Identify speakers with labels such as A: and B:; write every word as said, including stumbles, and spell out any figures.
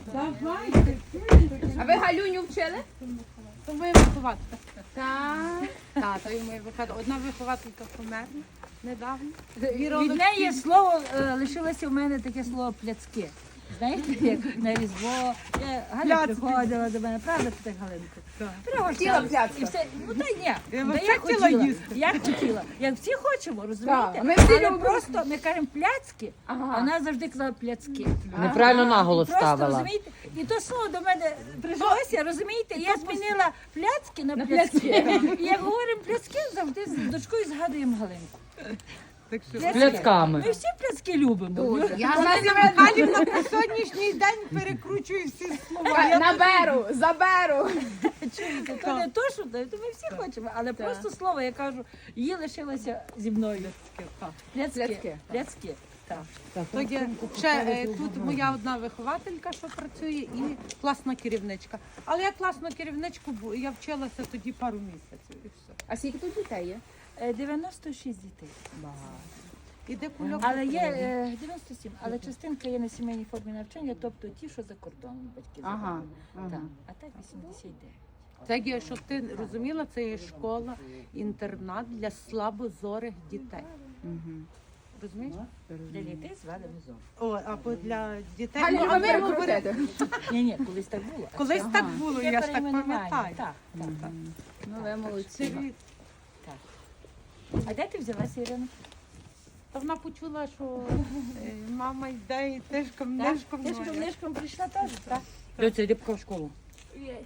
A: Давайте.
B: А ви Галюню вчили?
A: То моя вихователька.
B: Так.
A: Так, то є моя вихователька. Одна вихователька померла недавно.
C: Від неї слово е, лишилося в мене таке слово пляцки. Знаєте, як на Різдво. Я, Галя приходила до мене, правда, ти так, Галинко?
B: Хотіла
C: Пригощалась.
B: пляцка?
C: І все. Ну та ні,
A: Я
C: та
A: оце
C: як
A: хотіла
C: хотіла,
A: їсти.
C: як хотіла. Як всі хочемо, розумієте?
B: Так, ми всі
C: Але
B: любимо.
C: просто ми кажемо пляцки,
B: Ага.
C: а вона завжди казала пляцки.
D: Неправильно наголос
C: Просто,
D: ставила.
C: розумієте, і то слово до мене прижилося, розумієте, я змінила пляцки на пляцки. І як говоримо пляцки, завжди з дочкою згадуємо Галинку.
A: Так що
C: Пляцки.
D: Пляцками.
C: Ми всі пляцки любимо.
B: Я знаю,
A: Галівна по сьогоднішній день перекручує всі слова. Я
B: наберу, заберу.
C: Чуєте, то не то, що то ми всі хочемо, але просто слово, я кажу, її лишилося зі мною. Пляцки.
B: Пляцки.
C: Пляцки. Так.
A: То є ще е, тут моя одна вихователька, що працює, і класна керівничка. Але я класну керівничку, бу- я вчилася тоді пару місяців і все.
B: А скільки тут дітей є?
C: Е, дев'яносто шість дітей.
A: Іде кульок.
C: Але є е, дев'яносто сім, але частинка є на сімейній формі навчання, тобто ті, що за кордоном батьки
B: Ага,
C: забрали. Так. А так вісімдесят дев'ять.
A: Це є, щоб ти розуміла, це є школа, інтернат для слабозорих дітей. Розумієш?
C: Для дітей звали Музон.
A: О, або для дітей.
B: Галю,
A: Ну,
B: а
A: а
B: ви
A: ми
B: руку
A: говоримо-
B: крутите?
C: Ні, ні, колись так було. А
A: Колись
C: це-
A: так було,
C: це
A: я ж так
C: перейменування.
A: пам'ятаю.
C: Так, так, так.
B: Ну, ви молодці.
A: Привіт.
C: А де ти взялася, Ірина?
A: Та вона почула, що е, мама йде і тишком,
C: Так?
A: нишком.
C: Ти ж
A: ноє.
C: книжком прийшла теж, так? Доця, йди поки в школу.